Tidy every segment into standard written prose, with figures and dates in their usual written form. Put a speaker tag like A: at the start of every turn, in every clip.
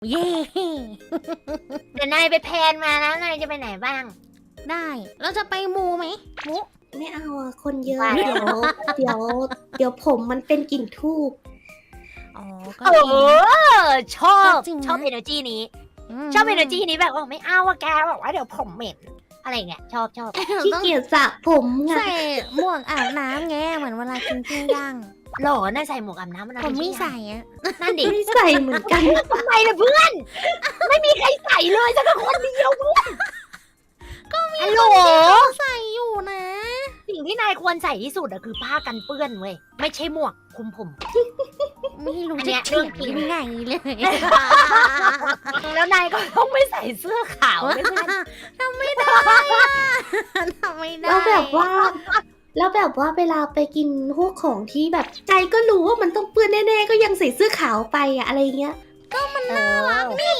A: เย่
B: เดี๋ยวนายไปแพลนมาแล้วนายจะไปไหนบ้าง
A: ได้เราจะไปมูไหมมู
C: ไม่เอาอะคนเยอะ
B: ว่า
C: เดี๋ยวผมมันเป็นกลิ่นทูบ
A: อ๋อก็
B: เอ
A: จริง
B: อชอบ
A: จริงนะ
B: ชอบเอเนอร์จีนี้
A: ม
B: ชอบเอเนอร์จีนี้แบบว่าไม่เอาว่าแกบอกว่าเดี๋ยวผมเหม็นอะไรเงี้ยชอบ
C: ขี้เกียจสระผมไง
A: ใส่หมวกอาบน้ำไงเหมือนเวลากินปิ้งย่าง
B: หล่อนายใส่หมวกอาบน้ำมัน
A: ผมไม่ใส่อะ
B: นั่นดิ
C: ไม่ใส่เหมือนกัน
B: ทำไมล่ะเพื่อน ไม่มีใครใส่เลยสักคนเดียวเพื่อนก็มีฮัลโหล
A: ใส่อยู่นะ
B: สิ่งที่นายควรใส่ที่สุดอะคือผ้ากันเปื้อนเว้ยไม่ใช่หมวกคลุมผม
A: ไม่รู้
B: อันเนี้
A: จะ
B: ย
A: เถียง
B: เรื่องจริง
A: ยังไงเลย
B: แล้วนายก็ต้องไม่ใส่เสื้อขาวด้วยนะ
A: ทำไม่ได้อะทำไม่ได้
C: แล้วแบบว่าเวลาไปกินพวกของที่แบบใจก็รู้ว่ามันต้องเปื้อนแน่ๆก็ยังใส่เสื้อขาวไปอะอะไรเงี้ย
B: มันน่ารักนี่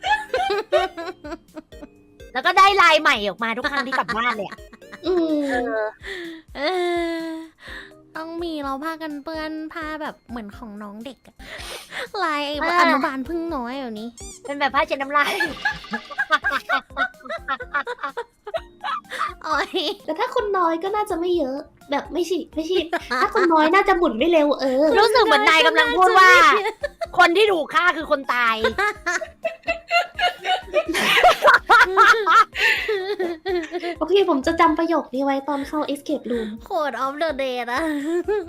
B: แล้วก็ได้ลายใหม่ออกมาทุกครั้งที่กลับบ้านเลยอะ
C: อืม
A: เออต้องมีเราผ้ากันเปื้อนผ้าแบบเหมือนของน้องเด็กอะลายไอ้อนุบาลพึ่งน้อยแบบนี้
B: เป็นแบบผ้าเช็ดน้ำลาย
A: โอ้ย
C: แต่ถ้าคนน้อยก็น่าจะไม่เยอะ แบบไม่ใช่ถ้าคนน้อยน่าจะหมุนไม่เร็ว
B: รู้สึกเหมือนนายกำลังพูดว่า คนที่ถูกฆ่าคือคนตาย
C: โอเคผมจะจำประโยคนี้ไว้ตอนเข้า escape room
A: โคดออฟเดอะเดย์นะ